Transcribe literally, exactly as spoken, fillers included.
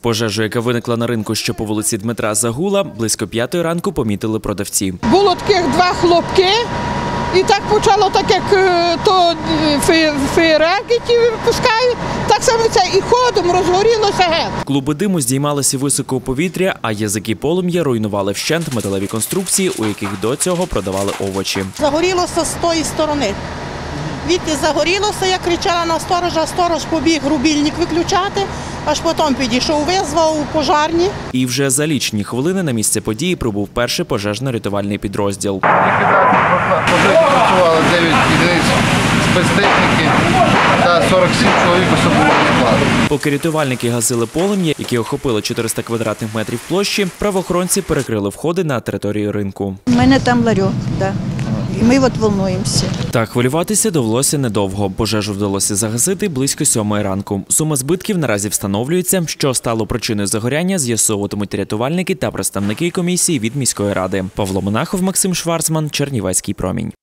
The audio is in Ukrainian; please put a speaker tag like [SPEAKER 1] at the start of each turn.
[SPEAKER 1] Пожежу, яка виникла на ринку, що по вулиці Дмитра Загула, близько п'ятої ранку помітили продавці.
[SPEAKER 2] Було таких два хлопки, і так почало, так як то феєрверки ті випускають, так само це і ходом розгорілося геть.
[SPEAKER 1] Клуби диму здіймалися високо у повітря, а язики полум'я руйнували вщент металеві конструкції, у яких до цього продавали овочі.
[SPEAKER 3] Загорілося з тої сторони. Відти загорілося, я кричала на сторожа, сторож побіг рубільник виключати, аж потім підійшов, визвав пожарні.
[SPEAKER 1] І вже за лічені хвилини на місце події прибув перший пожежно-рятувальний підрозділ.
[SPEAKER 4] Пожежі працювали дев'ять одиниць спецтехніки та сорок сім чоловік особового складу.
[SPEAKER 1] Поки рятувальники гасили полум'я, яке охопило чотириста квадратних метрів площі, правоохоронці перекрили входи на територію ринку.
[SPEAKER 5] У мене там ларьок, да. І ми от волнуємося.
[SPEAKER 1] Та хвилюватися довелося недовго. Пожежу вдалося загасити близько сьомої ранку. Сума збитків наразі встановлюється. Що стало причиною загоряння, з'ясовуватимуть рятувальники та представники комісії від міської ради. Павло Монахов, Максим Шварцман, Чернівецький промінь.